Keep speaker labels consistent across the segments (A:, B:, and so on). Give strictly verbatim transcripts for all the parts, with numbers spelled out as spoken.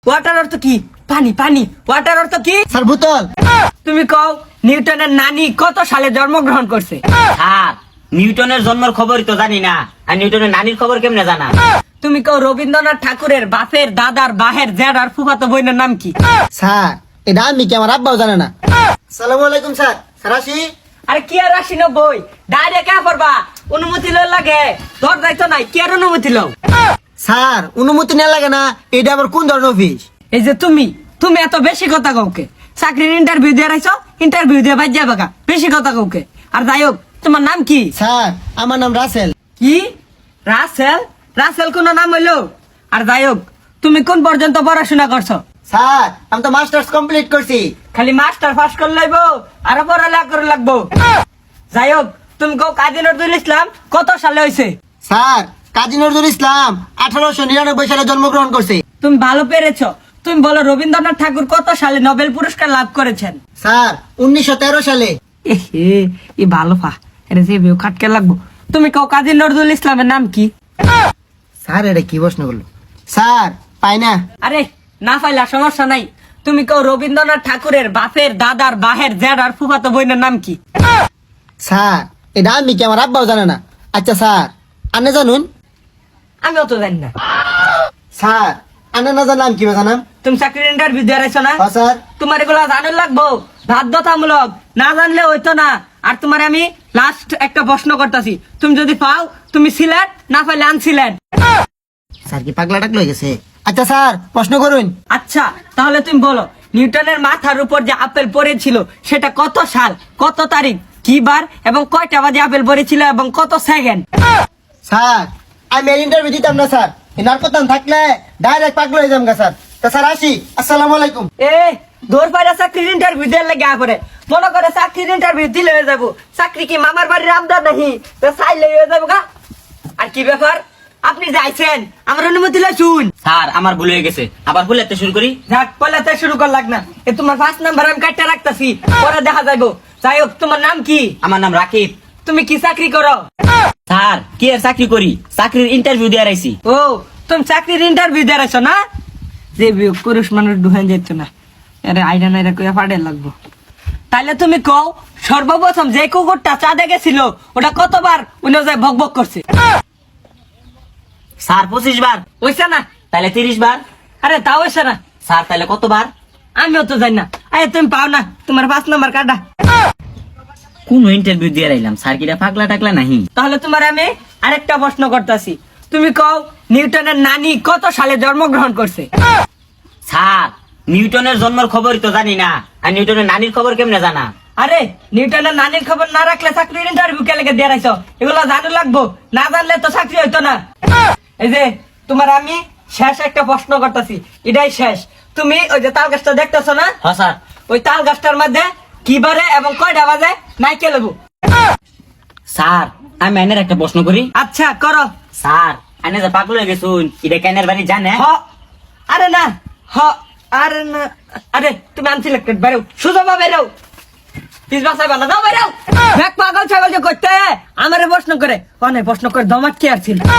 A: Water অর্থ কি? পানি পানি। ওয়াটার অর্থ কি?
B: স্যার বোতল।
A: তুমি কও নিউটনের নানি কত সালে জন্মগ্রহণ করছে?
C: স্যার নিউটনের জন্মের খবরই তো জানি না, আর নিউটনের নানির খবর কেমনে জানা?
A: তুমি কও রবীন্দ্রনাথ ঠাকুরের বাপের দাদার বাহের জেডার ফুফাতো বোনের নাম কি?
B: স্যার এটা আমি কি আমার আব্বাও জানে না। সালামু আলাইকুম স্যার। স্যার আসি।
A: আরে কি আর আসি নব্বই ডাইরেক্ট কা করবা? অনুমতি লও লাগে, তোর দায়িত্ব নাই, কি আর অনুমতি লও?
B: স্যার অনুমতি নেওয়া লাগে না, এটা আবার কোন ধরনের অফিস?
A: এই যে তুমি তুমি এত বেশি কথা কাউকে চাকরির ইন্টারভিউ দিয়ে রাখছো, ইন্টারভিউ দিয়ে বাদ যাবে বেশি কথা কাউকে। আর যাই হোক, তোমার নাম কি?
B: স্যার আমার নাম রাসেল।
A: কি রাসেল? রাসেল কোন নাম হইলো? আর যাই হোক, তুমি কোন পর্যন্ত পড়াশোনা করছো?
B: স্যার আমি তো মাস্টার্স কমপ্লিট করছি।
A: খালি মাস্টার পাস করে লাইবো আর পড়ালেখা করে লাগবো? যাই হোক, তুমি কও কাজী নজরুল ইসলাম কত সালে হয়েছে?
B: স্যার কাজী নজরুল ইসলাম আঠারোশো নিরানব্বই সালে জন্মগ্রহণ করছে।
A: তুমি ভালো পেরেছো। তুমি বলো রবীন্দ্রনাথ ঠাকুর কত সালে নোবেল পুরস্কার লাভ করেছেন?
B: স্যার উনিশশো তেরো সালে।
A: এ ই ভালো পা, এটা যে বেউ খাটকে লাগবো। তুমি কও কাজী নজরুল ইসলামের নাম কি?
B: স্যার এটা কি প্রশ্ন করলো? স্যার পাই না।
A: আরে না পাইলা সমস্যা নাই। তুমি কও রবীন্দ্রনাথ ঠাকুরের বাপের দাদার বাহের জেডার ফুফাতো বোনের নাম কি?
B: স্যার এটা আমি কি আমার আব্বাও জানে না। আচ্ছা স্যার আনে জানুন?
A: আমি অত জানি না।
B: স্যার আনে না জানলাম কি জানাম?
A: তুমি চাকরির ইন্টারভিউ দিয়ে রাখছো না?
B: হ্যাঁ স্যার।
A: তোমার এগুলো জানার লাগবো, বাধ্যতামূলক, না জানলে হইতো না। আর তোমার আমি লাস্ট একটা প্রশ্ন করতেছি, তুমি যদি পাও তুমি সিলেট, না পাইলে আনসিলেট।
B: স্যার কি পাগলা টাকলো হয়ে গেছে? আচ্ছা স্যার প্রশ্ন করুন।
A: আচ্ছা তাহলে তুমি বলো, নিউটনের মাথার উপর যে আপেল পড়েছিল সেটা কত সাল, কত তারিখ, কি বার এবং কয়টা বাজে আপেল পড়েছিল এবং কত সেকেন্ড?
B: স্যার আমি ইন্টারভিউ দিতাম না স্যার, এনার কথা থাকলে ডাইরেক্ট পাগলা হয়ে যাম গা স্যার। তা স্যার আসি, আসসালামু আলাইকুম।
A: এ দৌড় পাইরা চাকরির ইন্টারভিউ দিয়ে লাগে পরে মনে করে চাকরির ইন্টারভিউ দিলে হয়ে যাবো। চাকরি কি মামার বাড়ির আমদার নাহি তো চাইলে হয়ে যাবো গা? আর কি ব্যাপার, আপনি যাইছেন আমার অনুমতি লই শুন।
C: স্যার আমার ভুল হয়ে গেছে, আবার ভুলেতে শুরু করি।
A: যাক পলাতে শুরু কর লাগ না, এ তোমার ফার্স্ট নাম্বার আমি কাটতে রাখতাছি, পরে দেখা যাইবো। যাই হোক, তোমার নাম কি?
C: আমার নাম রাকিব।
A: তুমি কি চাকরি করো?
C: স্যার কি আর চাকরি করি, চাকরির ইন্টারভিউ দিয়ে রাইছি।
A: ও তুমি চাকরির ইন্টারভিউ দিয়ে রাখছো না? যে বিয়োগ পুরুষ মানুষ ডুহান যেত না, আরে আইডা নাইরা কইয়া ফাড়ে লাগবো। তাইলে তুমি কও সর্বপ্রথম যে কুকুরটা চাঁদে গেছিল ওটা কতবার উনি যায় ভক ভক করছে?
C: স্যার পঁচিশ বার।
A: হইছে না?
C: তাহলে তিরিশ বার।
A: আরে তাও হইছে না।
C: স্যার তাহলে কতবার?
A: আমিও তো জানি না। আরে তুমি পাও না, তোমার পাঁচ নাম্বার কাটা।
C: কোন ইন্টারভিউ দিয়ে রাইলাম, স্যার কিরা পাগলা টাকলা নাহি?
A: তাহলে তোমার আমি আরেকটা প্রশ্ন করতেছি, তুমি কও নিউটনের নানি কত সালে জন্মগ্রহণ করছে?
C: স্যার নিউটনের জন্মের খবরই তো জানি না, আর নিউটনের নানির খবর কেমনে জানা?
A: আরে নিউটনের নানির খবর না রাখলে চাকরির ইন্টারভিউ কে লেগে দিয়ে রাখছো? এগুলো জানা লাগবো, না জানলে তো চাকরি হইতো না। এই যে তোমার আমি শেষ একটা প্রশ্ন করতেছি, এটাই শেষ। তুমি ওই যে তাল গাছটা দেখতেছো না?
C: হ্যাঁ স্যার।
A: ওই তাল গাছটার মধ্যে কি বারে এবং কয়টা বাজে নাইকে লেবু?
C: স্যার আমি আইনের একটা প্রশ্ন করি।
A: আচ্ছা করো।
C: স্যার আইনে যে পাগল হয়ে গেছুন, এটা কেনের বাড়ি জানে?
A: হ আরে না, হ আরে না, আরে তুমি আনসিলেক্টেড, বেরো সুযোগ বেরো, পিস বাসাই বানা দাও, বেরো। দেখ পাগল ছাগল যে করতে আমারে প্রশ্ন করে, অনেক প্রশ্ন করে দমাট কি আর ছিল?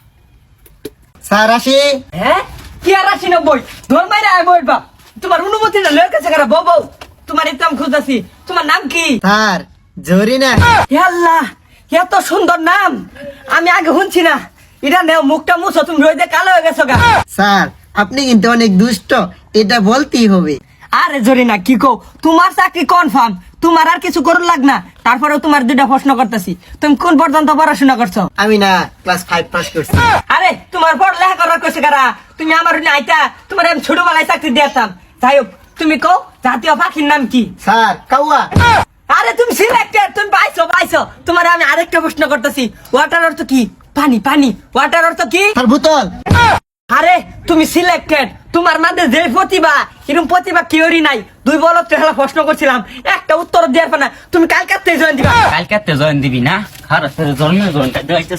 B: স্যার আসি।
A: হ্যাঁ কি আর আসি নব্বই ধর মাইরা আয় বলবা। তোমার অনুমতি না লয়ের কাছে কারা বউ বউ, তোমার ইতাম খুঁজতেছি। তোমার নাম কি?
B: স্যার জরিনা।
A: হে আল্লাহ, এত সুন্দর নাম আমি আগে শুনছি না। এটা নেও, মুখটা মুছো, তুমি রোদে কালো হয়ে গেছো গা।
B: স্যার আপনি কিন্তু অনেক দুষ্ট, এটা বলতেই হবে।
A: আরে জরিনা কি কও, তোমার চাকরি কনফার্ম, তোমার আর কিছু করুন লাগ না। তারপরেও তোমার দুইটা প্রশ্ন করতেছি, তুমি কোন পর্যন্ত পড়াশোনা করছো?
B: আমি না ক্লাস ফাইভ পাস করছি।
A: আরে তোমার পড়ালেখা করার কইছে কারা? তুমি আমার উনি আইতা, তোমার আমি ছোটবেলায় চাকরি দিতাম। যাই হোক, তুমি কও জাতীয় পাখির নাম কি?
B: স্যার কাউয়া।
A: আরে তুমি সিলেক্টেড, তুমি পাইছো পাইছো। তোমার আমি আরেকটা প্রশ্ন করতেছি, ওয়াটার অর্থ কি? পানি পানি। ওয়াটার অর্থ কি?
B: স্যার বোতল।
A: আরে তুমি সিলেক্টেড, তোমার মধ্যে যে প্রতিভা, এরকম প্রতিভা কেউরই নাই। দুই বলত হেলা প্রশ্ন করছিলাম, একটা উত্তর দেওয়ার পর না, তুমি কালকাতে জয়েন দিবা।
C: কালকে জয়েন দিবি না? খারাপ জন্ম জয়েন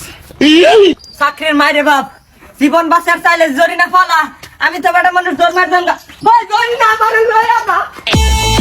A: চাকরির মাইরে বাপ, জীবন বাঁচার চাইলে জরিনা ফলা। আমি তো বেটা মানুষ জন্মের জন্য